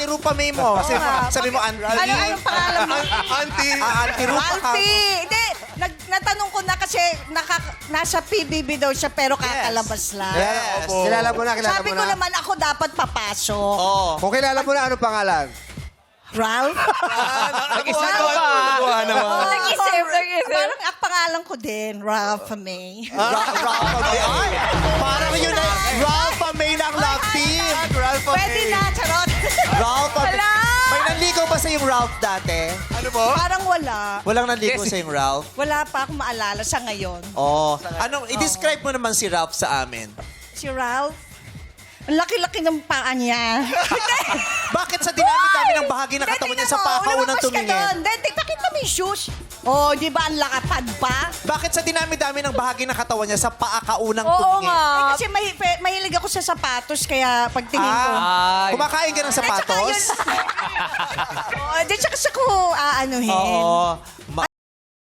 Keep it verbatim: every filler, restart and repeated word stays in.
Rupa May mo. Kasi nga. sabi mo, Auntie. Ano, anong pangalan mo? Auntie. Ah, Auntie Rupa ka. Ralphie! Hindi, nag, natanong ko na kasi naka, nasa P B B daw siya pero kakalabas lang. Yes. Opo. Kilala mo na, kilala Sabi mo ko na. naman ako dapat papasok. Oo. Kung kilala mo na, anong pangalan? Ralph? Nag-isip ka. Oh, Nag-isip, nag-isip. Parang ang pangalan ko din, Ralph May. Ra- Ralph May. Ay, parang yun na. Ralph May ng love team. Ralph Pwede na, charot. Ralph May. Wala. May nanligaw ba sa yung Ralph dati? Ano po? Parang wala. Walang nanligaw sa yung Ralph? Wala pa akong maalala sa ngayon. Oh, anong i-describe mo naman si Ralph sa amin? Si Ralph, ang laki-laki ng paa niya. Bakit sa dinami-dami ng bahagi ng katawan niya sa paa ka unang tumingin? Hindi, pakita mo yung shoes. Oh, di ba ang lakapad pa? Bakit sa dinami-dami ng bahagi ng katawan niya sa paa ka unang Oo tumingin? nga. Eh, kasi may, pe- mahilig ako sa sapatos, kaya pagtingin ko. Ah, kumakain ka ng At saka sapatos? yun- oh, di tsaka sa ko aanuhin. Oo. Ma-